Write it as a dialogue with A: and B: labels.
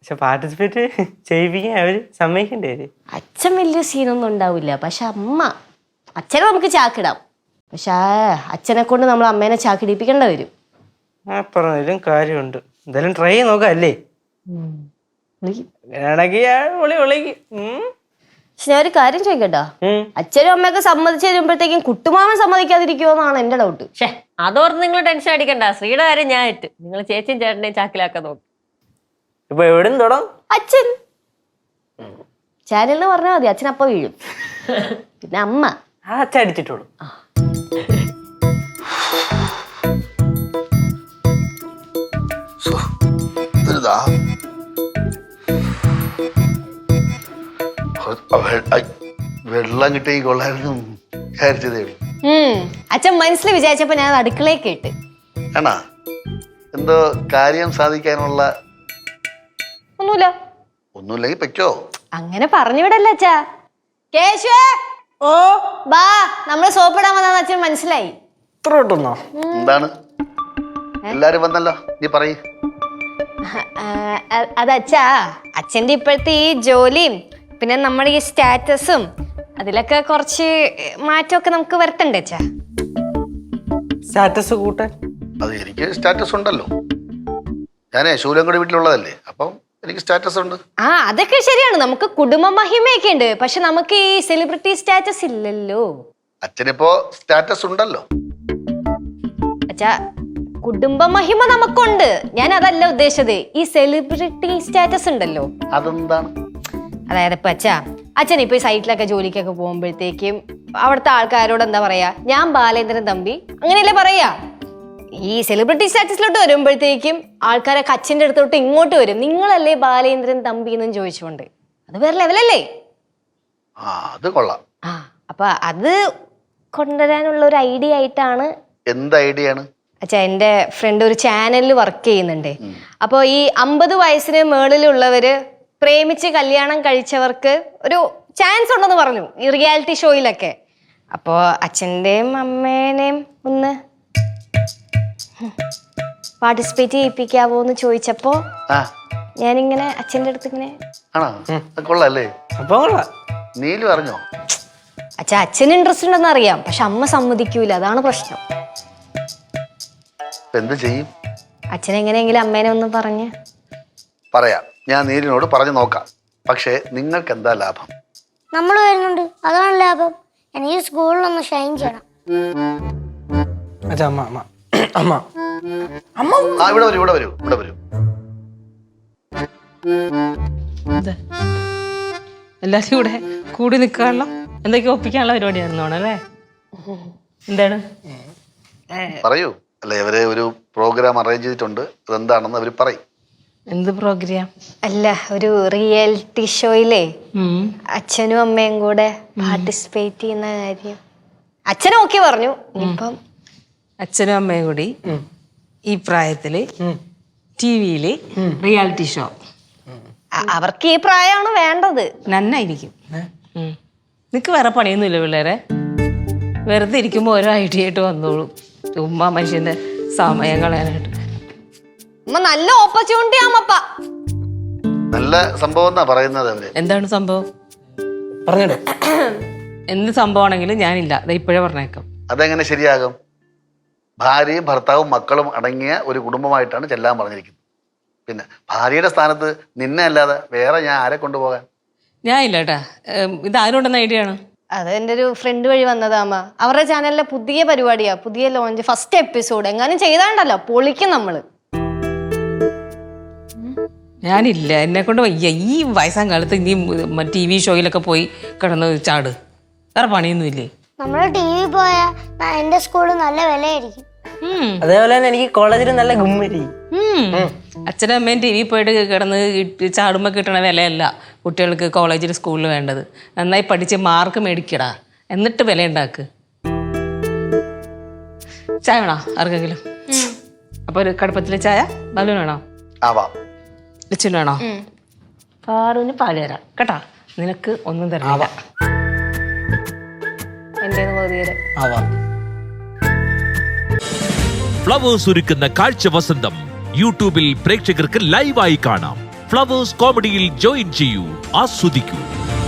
A: പക്ഷെ പാർട്ടിസിപ്പേറ്റ് ചെയ്യിപ്പിക്കാൻ അവര് സമ്മതിക്കണ്ടേ?
B: അച്ഛൻ വലിയ സീനൊന്നും ഉണ്ടാവില്ല, പക്ഷെ അച്ഛനെ നമുക്ക് ചാക്കിടാം. പക്ഷെ അച്ഛനെ കൊണ്ട് നമ്മൾ അമ്മേനെ ചാക്കിടിപ്പിക്കേണ്ട വരും.
A: പറഞ്ഞതിലും കാര്യമുണ്ട്. എന്തായാലും ട്രൈ ചെയ്ത് നോക്കാം അല്ലേ?
B: പക്ഷെ ഞാൻ ഒരു കാര്യം ചോദിക്കട്ടോ, അച്ഛനും അമ്മയൊക്കെ സമ്മതിച്ചു തരുമ്പോഴത്തേക്കും കുട്ടുമാമൻ സമ്മതിക്കാതിരിക്കുമോന്നാണ് എന്റെ ഡൗട്ട്.
C: പക്ഷേ അതോർത്ത് നിങ്ങൾ ടെൻഷൻ അടിക്കണ്ട. ശ്രീയുടെ കാര്യം ഞാൻ ഇട്ട്. നിങ്ങൾ ചേച്ചിയും ചേട്ടനെയും ചാക്കിലാക്കാൻ നോക്കും.
A: ഇപ്പൊ എവിടെ തുടങ്ങും?
B: അച്ഛൻ ചാനലിന് പറഞ്ഞാൽ മതി, അച്ഛൻ അപ്പ വീഴും. പിന്നെ അമ്മ
A: അച്ഛൻ അടിച്ചിട്ടുള്ളൂ.
D: വെള്ളം കിട്ടി കൊള്ളായിരുന്നു വിചാരിച്ചതേ ഉള്ളൂ.
B: അച്ഛൻ മനസ്സിൽ വിചാരിച്ചപ്പോ ഞാൻ അടുക്കളയിൽ കേട്ട്.
D: ആണാ? എന്തോ കാര്യം സാധിക്കാനുള്ള ഒന്നുമില്ലെങ്കിൽ പറ്റോ?
B: അങ്ങനെ പറഞ്ഞു വിടല്ല അച്ഛാ. കേശുവേ, ഓ ബാ, നമ്മള് സോപ്പിടാൻ വന്ന അച്ഛൻ മനസ്സിലായി.
D: എന്താണ് എല്ലാരും വന്നല്ലോ, നീ പറയ്.
B: അതച്ഛാ, അച്ഛന്റെ ഇപ്പോഴത്തെ ഈ ജോലിയും പിന്നെ നമ്മുടെ ഈ സ്റ്റാറ്റസും അതിലൊക്കെ കുറച്ച് മാറ്റമൊക്കെ നമുക്ക് വരുത്തണ്ടേ അച്ഛാ?
A: സ്റ്റാറ്റസ് കൂട്ടാൻ
D: അത് എനിക്ക് സ്റ്റാറ്റസ് ഉണ്ടല്ലോ. ഞാനേ ശൂലങ്കടി വീട്ടിലുള്ളതല്ലേ, അപ്പം എനിക്ക് സ്റ്റാറ്റസ് ഉണ്ട്.
B: അതൊക്കെ ശരിയാണ്, നമുക്ക് കുടുംബ മഹിമയൊക്കെ ഉണ്ട്. പക്ഷെ നമുക്ക് ഈ സെലിബ്രിറ്റി സ്റ്റാറ്റസ് ഇല്ലല്ലോ.
D: അച്ഛനിപ്പോ സ്റ്റാറ്റസ് ഉണ്ടല്ലോ.
B: അച്ഛാ, കുടുംബ മഹിമ നമുക്കുണ്ട്, ഞാൻ അതല്ല ഉദ്ദേശിച്ചത്. ഈ സെലിബ്രിറ്റി സ്റ്റാറ്റസ് ഉണ്ടല്ലോ,
D: അതെന്താണ്?
B: അതായത് ഇപ്പൊ അച്ഛൻ ഇപ്പൊ ഈ സൈറ്റിലൊക്കെ ജോലിക്കൊക്കെ പോകുമ്പോഴത്തേക്കും അവിടുത്തെ ആൾക്കാരോട് എന്താ പറയാ, ഞാൻ ബാലേന്ദ്രൻ തമ്പി അങ്ങനെയല്ലേ പറയാ. ഈ സെലിബ്രിറ്റി സ്റ്റാറ്റസിലോട്ട് വരുമ്പോഴത്തേക്കും ആൾക്കാരൊക്കെ അച്ഛൻ്റെ അടുത്തോട്ട് ഇങ്ങോട്ട് വരും, നിങ്ങളല്ലേ ബാലേന്ദ്രൻ തമ്പി എന്നും ചോദിച്ചുകൊണ്ട്. അത് വേറെ ലെവലല്ലേ?
D: അത് കൊള്ളാം.
B: അപ്പൊ അത് കൊണ്ടുവരാനുള്ള ഒരു ഐഡിയ ആയിട്ടാണ്.
D: എന്ത് ഐഡിയ ആണ്?
B: അച്ഛാ, എൻ്റെ ഫ്രണ്ട് ഒരു ചാനലിൽ വർക്ക് ചെയ്യുന്നുണ്ട്. അപ്പോൾ ഈ 50 വയസ്സിന് മേളിലുള്ളവര് പ്രേമിച്ച് കല്യാണം കഴിച്ചവർക്ക് ഒരു ചാൻസ് ഉണ്ടെന്ന് പറഞ്ഞു ഈ റിയാലിറ്റി ഷോയിലൊക്കെ. അപ്പോൾ അച്ഛൻ്റെയും അമ്മേനെയും ഒന്ന് പാർട്ടിസിപ്പേറ്റ് ചെയ്യിപ്പിക്കാവോ എന്ന് ചോദിച്ചപ്പോ ഞാനിങ്ങനെ അച്ഛൻ്റെ അടുത്ത് ഇങ്ങനെ.
D: കൊള്ളാല്ലേ?
A: നീലു
D: അറിഞ്ഞോ?
B: അച്ഛാ, അച്ഛന് ഇൻട്രസ്റ്റ് ഉണ്ടെന്ന് അറിയാം, പക്ഷെ അമ്മ സമ്മതിക്കൂല, അതാണ് പ്രശ്നം.
D: എന്ത് ചെയ്യും?
B: അച്ഛൻ എങ്ങനെയെങ്കിലും അമ്മേനെ ഒന്ന് പറഞ്ഞ്
D: പറയാം. ഞാൻ നീലിനോട് പറഞ്ഞു നോക്കാം. പക്ഷേ നിങ്ങൾക്ക് എന്താ ലാഭം?
E: നമ്മൾ വരുന്നുണ്ട്, അതാണ് ലാഭം. എനിക്ക് സ്കൂളിലൊന്ന് ഷൈൻ ചെയ്യണം.
D: ഇവിടെ വരൂ.
C: എല്ലാരും കൂടെ കൂടി നിൽക്കാനുള്ള എന്തൊക്കെ ഒപ്പിക്കാനുള്ള പരിപാടിയായിരുന്നു അല്ലേ? എന്താണ്
D: പറയൂ. അല്ല, ഇവരെ ഒരു പ്രോഗ്രാം അറേഞ്ച് ചെയ്തിട്ടുണ്ട്, അതെന്താണെന്ന് അവർ പറയും.
C: എന്ത് പ്രോഗ്രാം?
B: അല്ല, ഒരു റിയാലിറ്റി ഷോയിലേ അച്ഛനും അമ്മയും കൂടെ പാർട്ടിസിപ്പേറ്റ് ചെയ്യുന്ന കാര്യം അച്ഛൻ ഓക്കെ പറഞ്ഞു. ഇപ്പം
C: അച്ഛനും അമ്മയും കൂടി ഈ പ്രായത്തില് ടിവിയില് റിയാലിറ്റി ഷോ.
B: അവർക്ക് ഈ പ്രായമാണ് വേണ്ടത്.
C: നന്നായിരിക്കും. നിനക്ക് വേറെ പണിയൊന്നുമില്ല പിള്ളേരെ? വെറുതെ ഇരിക്കുമ്പോൾ ഓരോ ഐഡിയ ആയിട്ട് വന്നോളൂ. ചുമ്മാ മനുഷ്യന്റെ സമയം കളയാനായിട്ട്.
B: നല്ല ഓപ്പർച്യൂണിറ്റി ആമപ്പ.
D: നല്ല സംഭവം എന്നാ പറയുന്നത് അവര്.
C: എന്താണ് സംഭവം?
A: പറഞ്ഞോ.
C: എന്ത് സംഭവമാണെങ്കിലും ഞാനില്ല, അത് ഇപ്പോഴേ പറഞ്ഞേക്കാം.
D: അതെങ്ങനെ ശരിയാകും? ഭാര്യയും ഭർത്താവും മക്കളും അടങ്ങിയ ഒരു കുടുംബമായിട്ടാണ് ചെല്ലാൻ പറഞ്ഞിരിക്കുന്നത്. പിന്നെ ഭാര്യയുടെ സ്ഥാനത്ത് നിന്നെ അല്ലാതെ വേറെ ഞാൻ ആരെ കൊണ്ടുപോകാൻ?
C: ഞാൻ ഇല്ല കേട്ടാ. ഇത് ആരോണ്ടെന്ന ഐഡിയ ആണ്?
B: അത് എൻ്റെ ഒരു ഫ്രണ്ട് വഴി വന്നതാമ്മ. അവരുടെ ചാനലിലെ പുതിയ പരിപാടിയാ, പുതിയ ലോഞ്ച്, ഫസ്റ്റ് എപ്പിസോഡ്. എങ്ങാനും ചെയ്താണ്ടല്ലോ പൊളിക്കും നമ്മള്.
C: ഞാനില്ല, എന്നെ കൊണ്ട് വയ്യ. ഈ വയസ്സാം കാലത്ത് ഇനി TV ഷോയിലൊക്കെ പോയി കിടന്ന് ചാട്. വേറെ പണിയൊന്നുമില്ലേ?
E: നമ്മള് TV പോയാ എന്റെ സ്കൂളിൽ നല്ല വിലയായിരിക്കും.
A: അതേപോലെ തന്നെ എനിക്ക് കോളേജിൽ നല്ല ഗുമ്മരി.
C: അച്ഛനും അമ്മയും TV പോയിട്ട് കിടന്ന് ചാടുമ്പോ കിട്ടണ വിലയല്ല കുട്ടികൾക്ക് കോളേജിൽ സ്കൂളിൽ വേണ്ടത്. നന്നായി പഠിച്ച് മാർക്ക് മേടിക്കടാ, എന്നിട്ട് വില ഉണ്ടാക്ക്. ചായ വേണോ ആർക്കെങ്കിലും? അപ്പൊ ഒരു കടുപ്പത്തിലെ ചായ. ബലൂൺ വേണോ? ലച്ചുൻ വേണോ? പാറുവിന് പാല് തരാം കേട്ടാ. നിനക്ക് ഒന്നും തരാം.
B: എന്റെ
F: ഫ്ലവേഴ്സ് ഒരുക്കുന്ന കാഴ്ച വസന്തം യൂട്യൂബിൽ പ്രേക്ഷകർക്ക് ലൈവായി കാണാം. ഫ്ലവേഴ്സ് കോമഡിയിൽ ജോയിൻ ചെയ്യൂ, ആസ്വദിക്കൂ.